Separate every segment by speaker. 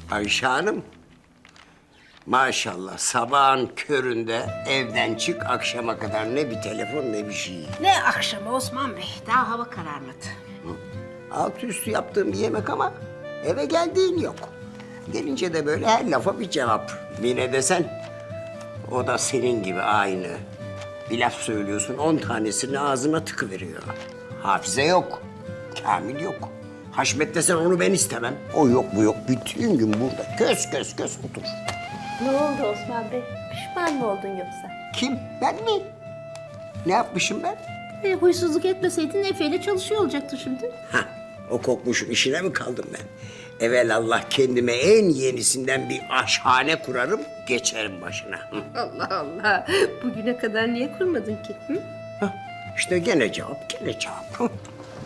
Speaker 1: Ayşe Hanım, maşallah sabahın köründe evden çık akşama kadar ne bir telefon ne bir şey.
Speaker 2: Ne akşamı Osman Bey? Daha hava kararmadı.
Speaker 1: Altı üstü yaptığım bir yemek ama eve geldiğin yok. Gelince de böyle her lafa bir cevap. Mine desen, o da senin gibi aynı. Bir laf söylüyorsun, 10 tanesini ağzına tıkıveriyor. Hafize yok, Kamil yok. Haşmet desen onu ben istemem. O yok bu yok, bütün gün burada kös kös kös otur.
Speaker 3: Ne oldu Osman Bey? Pişman mı oldun yoksa?
Speaker 1: Kim, ben mi? Ne yapmışım ben?
Speaker 3: Huysuzluk etmeseydin Efe'yle çalışıyor olacaktı şimdi.
Speaker 1: Hah, o kokmuşun işine mi kaldım ben? Evelallah kendime en yenisinden bir aşhane kurarım, geçerim başına. Hı.
Speaker 3: Allah Allah. Bugüne kadar niye kurmadın ki? Hı?
Speaker 1: Hah, İşte gene cevap, gene cevap. Hı.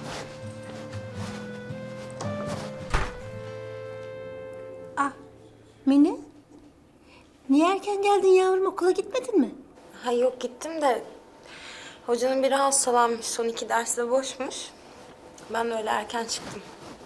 Speaker 3: Mine? Niye erken geldin yavrum? Okula gitmedin mi?
Speaker 4: Ha yok gittim de hocanın biri hastalanmış. Son 2 ders de boşmuş. Ben de öyle erken çıktım.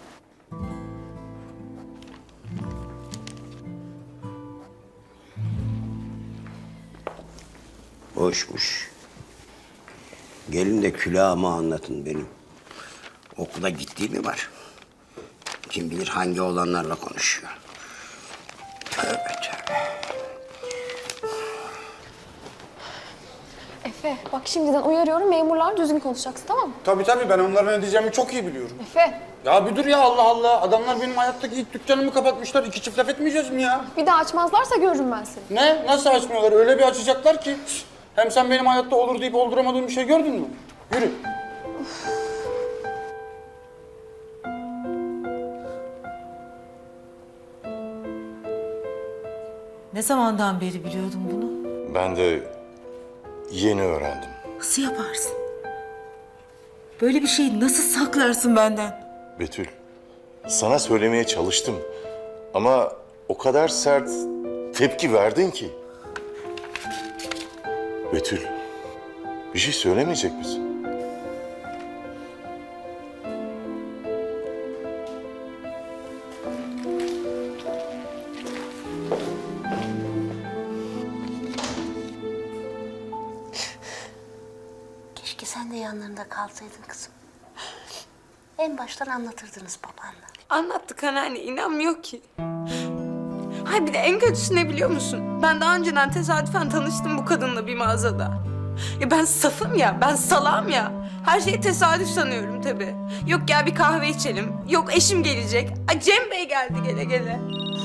Speaker 1: Boşmuş. Gelin de külahımı anlatın benim. Okula gittiği mi var? Kim bilir hangi olanlarla konuşuyor. Tövbe tövbe.
Speaker 5: Efe, bak şimdiden uyarıyorum, memurlar düzgün konuşacaksın, tamam mı?
Speaker 6: Tabii ben onların ne diyeceğimi çok iyi biliyorum.
Speaker 5: Efe,
Speaker 6: Ya bir dur ya Allah Allah. Adamlar benim hayattaki ilk dükkanımı kapatmışlar. 2 çift laf etmeyeceğiz mi ya?
Speaker 5: bir daha açmazlarsa görürüm ben seni.
Speaker 6: Ne? Nasıl açmıyorlar? Öyle bir açacaklar ki. Hem sen benim hayatta olur deyip olduramadığım bir şey gördün mü? Yürü.
Speaker 7: Ne zamandan beri biliyordun bunu?
Speaker 8: Ben de yeni öğrendim.
Speaker 7: Nasıl yaparsın? Böyle bir şeyi nasıl saklarsın benden?
Speaker 8: Betül, sana söylemeye çalıştım. Ama o kadar sert tepki verdin ki. Betül, bir şey söylemeyecek misin?
Speaker 2: Keşke sen de yanlarında kalsaydın kızım. En baştan anlatırdınız babanla.
Speaker 4: Anlattık anneanne, inanmıyor ki. Hay bir de en kötüsü ne biliyor musun? Ben daha önceden tesadüfen tanıştım bu kadınla bir mağazada. Ya ben safım ya, ben salağım ya. Her şeyi tesadüf sanıyorum tabii. Yok gel bir kahve içelim, yok eşim gelecek. Ay Cem Bey geldi gele gele.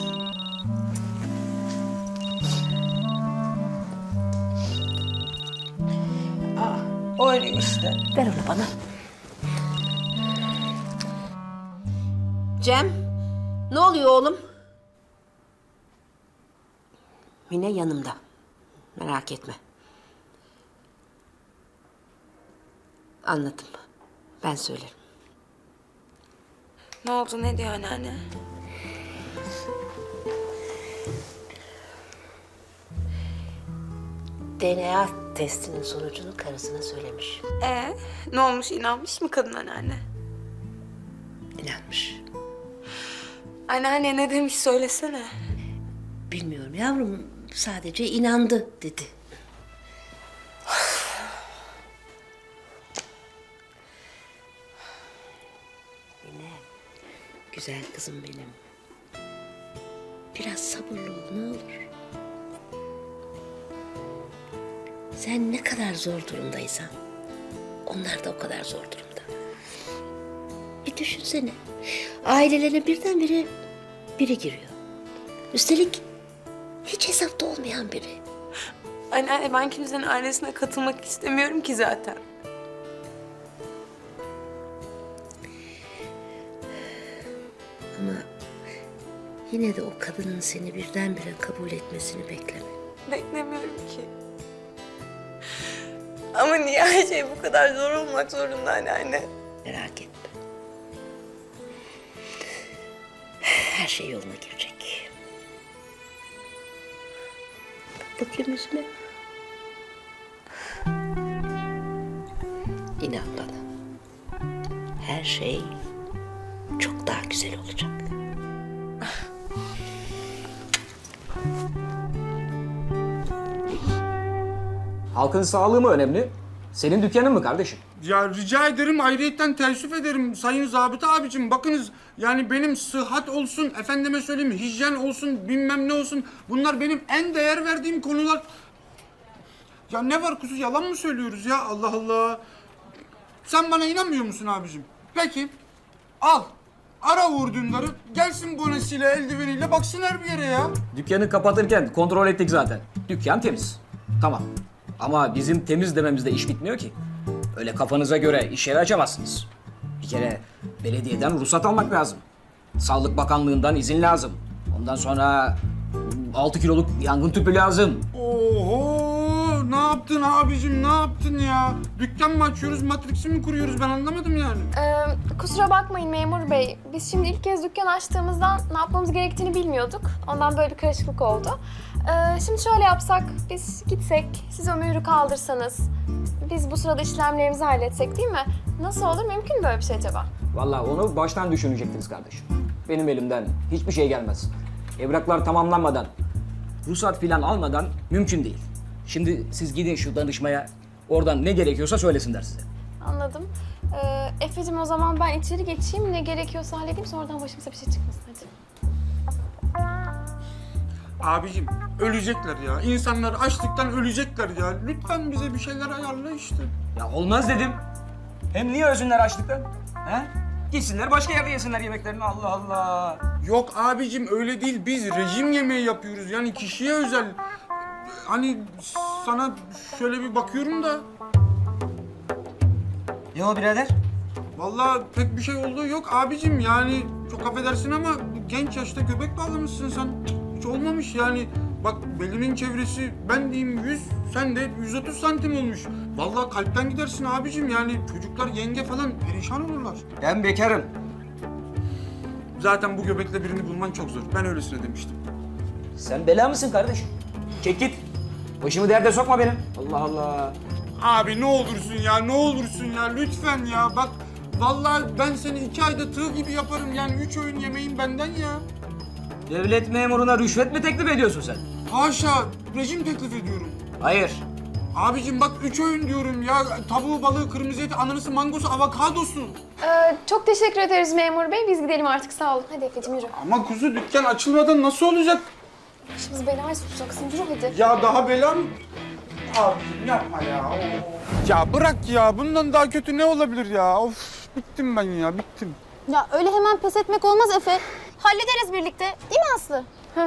Speaker 2: Öyle işte. Ver onu bana. Cem, ne oluyor oğlum? Mine yanımda. Merak etme. Anladım. Ben söylerim.
Speaker 4: Ne oldu, ne diyor anneanne?
Speaker 2: DNA testinin sonucunu karısına söylemiş.
Speaker 4: Ne olmuş, inanmış mı kadın anneanne?
Speaker 2: İnanmış.
Speaker 4: Anneanne ne demiş söylesene.
Speaker 2: Bilmiyorum yavrum. Sadece inandı dedi. Mine, güzel kızım benim. Biraz sabırlı ol ne olur. Sen ne kadar zor durumdaysan, onlar da o kadar zor durumda. Bir düşünsene, ailelerine birdenbire biri giriyor. Üstelik hiç hesapta olmayan biri.
Speaker 4: Anneanne ben kimsenin ailesine katılmak istemiyorum ki zaten.
Speaker 2: Ama yine de o kadının seni birdenbire kabul etmesini bekleme.
Speaker 4: Beklemiyorum ki. Ama niye her şey bu kadar zor olmak zorunda anneanne?
Speaker 2: Merak etme. Her şey yoluna girecek. Bak bakayım yüzüme. İnan bana. Her şey çok daha güzel olacak.
Speaker 9: Halkın sağlığı mı önemli? Senin dükkanın mı kardeşim?
Speaker 6: Ya rica ederim, ayrıyetten teessüf ederim sayın zabıta abicim. Bakınız yani benim sıhhat olsun, efendime söyleyeyim hijyen olsun, bilmem ne olsun. Bunlar benim en değer verdiğim konular. Ya ne var kuzu, yalan mı söylüyoruz ya? Allah Allah. Sen bana inanmıyor musun abicim? Peki al. Ara Uğur Dündar'ı, gelsin bonesiyle, eldiveniyle baksın her bir yere ya.
Speaker 9: Dükkanı kapatırken kontrol ettik zaten. Dükkan temiz. Tamam. Ama bizim temiz dememizde iş bitmiyor ki. Öyle kafanıza göre iş yeri açamazsınız. Bir kere belediyeden ruhsat almak lazım. Sağlık Bakanlığı'ndan izin lazım. Ondan sonra 6 kiloluk yangın tüpü lazım.
Speaker 6: Oho! Ne yaptın abicim, ne yaptın ya? Dükkan mı açıyoruz, Matrix'i mi kuruyoruz, ben anlamadım yani.
Speaker 5: Kusura bakmayın memur bey. Biz şimdi ilk kez dükkan açtığımızdan ne yapmamız gerektiğini bilmiyorduk. Ondan böyle bir karışıklık oldu. Şimdi şöyle yapsak, biz gitsek, siz o mührü kaldırsanız, biz bu sırada işlemlerimizi halletsek değil mi? Nasıl olur? Mümkün mü böyle bir şey acaba?
Speaker 9: Vallahi onu baştan düşünecektiniz kardeşim. Benim elimden hiçbir şey gelmez. Evraklar tamamlanmadan, ruhsat filan almadan mümkün değil. Şimdi siz gidin şu danışmaya, oradan ne gerekiyorsa söylesinler size.
Speaker 5: Anladım. Efe'cim o zaman ben içeri geçeyim, ne gerekiyorsa halledeyim, sonradan başımıza bir şey çıkmasın hadi.
Speaker 6: Abicim ölecekler ya. İnsanlar açlıktan ölecekler ya. Lütfen bize bir şeyler ayarla işte.
Speaker 9: Ya olmaz dedim. Hem niye ölsünler açlıktan? He? Gitsinler başka yerde yesinler yemeklerini, Allah Allah.
Speaker 6: Yok abicim öyle değil. Biz rejim yemeği yapıyoruz. Yani kişiye özel. Hani sana şöyle bir bakıyorum da.
Speaker 9: Ne o birader?
Speaker 6: Vallahi pek bir şey olduğu yok abicim. Yani çok affedersin ama bu genç yaşta göbek bağlamışsın sen. Hiç olmamış yani. Bak belinin çevresi ben diyeyim 100, sen de 130 santim olmuş. Vallahi kalpten gidersin abicim yani. Çocuklar yenge falan perişan olurlar.
Speaker 9: Ben bekarım.
Speaker 6: Zaten bu göbekle birini bulman çok zor. Ben öylesine demiştim.
Speaker 9: Sen bela mısın kardeşim? Çek git. Başımı derde sokma benim. Allah Allah.
Speaker 6: Abi ne olursun ya, ne olursun ya lütfen ya. Bak vallahi ben seni 2 ayda tığ gibi yaparım yani 3 öğün yemeğin benden ya.
Speaker 9: Devlet memuruna rüşvet mi teklif ediyorsun sen?
Speaker 6: Haşa, rejim teklif ediyorum.
Speaker 9: Hayır.
Speaker 6: Abicim bak 3 öğün diyorum ya. Tavuğu, balığı, kırmızı eti, ananası, mangosu, avokadosu.
Speaker 5: Çok teşekkür ederiz memur bey. Biz gidelim artık, sağ olun. Hadi Efe'cim yürü.
Speaker 6: Ama kuzu dükkan açılmadan nasıl olacak?
Speaker 5: Başımız belaya sokacaksın. Yürü hadi.
Speaker 6: Ya daha bela mı? Abicim yapma ya. Ya bırak ya. Bundan daha kötü ne olabilir ya? Of bittim ben ya, bittim.
Speaker 3: Ya öyle hemen pes etmek olmaz Efe. Hallederiz birlikte. Değil mi Aslı?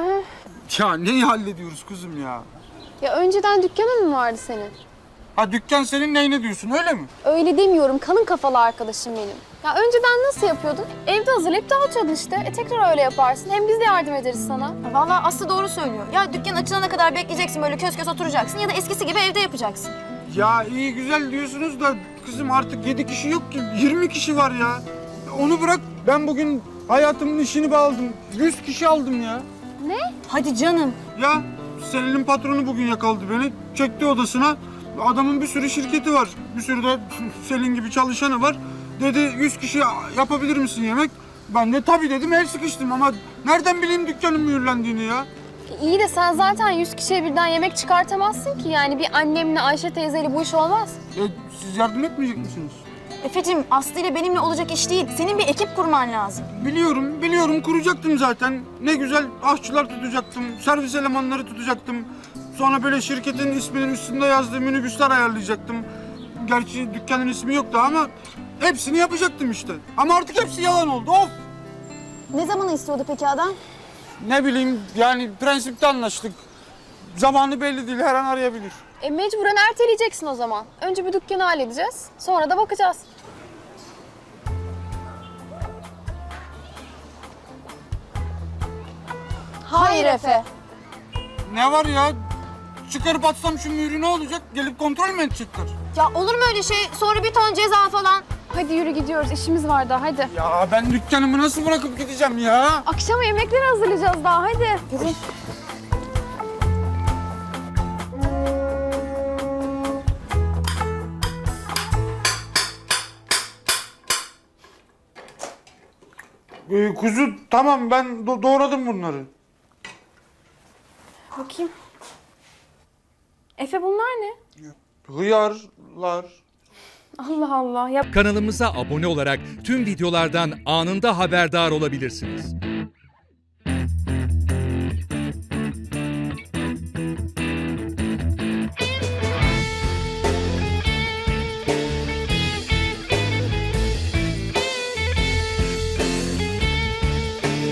Speaker 6: Ya neyi hallediyoruz kuzum ya?
Speaker 5: Ya önceden dükkanın mı vardı senin?
Speaker 6: Ha dükkan senin neyine diyorsun öyle mi?
Speaker 5: Öyle demiyorum. Kanın kafalı arkadaşım benim. Ya önceden nasıl yapıyordun? Evde hazırlayıp dağıtıyordun işte. Tekrar öyle yaparsın. Hem biz de yardım ederiz sana.
Speaker 3: Vallahi Aslı doğru söylüyor. Ya dükkan açılana kadar bekleyeceksin, böyle kös kös oturacaksın ya da eskisi gibi evde yapacaksın.
Speaker 6: Ya iyi güzel diyorsunuz da kızım artık 7 kişi yok ki 20 kişi var ya. Onu bırak, ben bugün hayatımın işini bağladım. 100 kişi aldım ya.
Speaker 3: Hadi canım.
Speaker 6: Ya Selin'in patronu bugün yakaladı beni. Çekti odasına. Adamın bir sürü şirketi var. Bir sürü de Selin gibi çalışanı var. Dedi 100 kişi yapabilir misin yemek? Ben de tabii dedim, el sıkıştım ama nereden bileyim dükkanın mühürlendiğini ya?
Speaker 5: İyi de sen zaten 100 kişiye birden yemek çıkartamazsın ki. Yani bir annemle Ayşe teyzeyle bu iş olmaz.
Speaker 6: Siz yardım etmeyecek misiniz?
Speaker 3: Efe'cim Aslı ile benimle olacak iş değil. Senin bir ekip kurman lazım.
Speaker 6: Biliyorum kuracaktım zaten. Ne güzel aşçılar tutacaktım, servis elemanları tutacaktım. Sonra böyle şirketin isminin üstünde yazdığı minibüsler ayarlayacaktım. Gerçi dükkanın ismi yoktu ama hepsini yapacaktım işte. Ama artık hepsi yalan oldu, of!
Speaker 3: Ne zamanı istiyordu peki adam?
Speaker 6: Ne bileyim yani prensipte anlaştık. Zamanı belli değil, her an arayabilir.
Speaker 5: Mecburen erteleyeceksin o zaman. Önce bir dükkanı halledeceğiz. Sonra da bakacağız.
Speaker 3: Hayır Efe.
Speaker 6: Ne var ya? Çıkarıp atsam şu mührü ne olacak? Gelip kontrol mü edecekler?
Speaker 3: Ya olur mu öyle şey? Sonra bir ton ceza falan.
Speaker 5: Hadi yürü gidiyoruz. İşimiz var daha hadi.
Speaker 6: Ya ben dükkanımı nasıl bırakıp gideceğim ya?
Speaker 5: Akşama yemekleri hazırlayacağız daha hadi. Yürü.
Speaker 6: Kuzu tamam, ben doğradım bunları.
Speaker 5: Bakayım. Efe bunlar ne?
Speaker 6: Hıyarlar.
Speaker 5: Allah Allah. Ya
Speaker 10: Kanalımıza abone olarak tüm videolardan anında haberdar olabilirsiniz.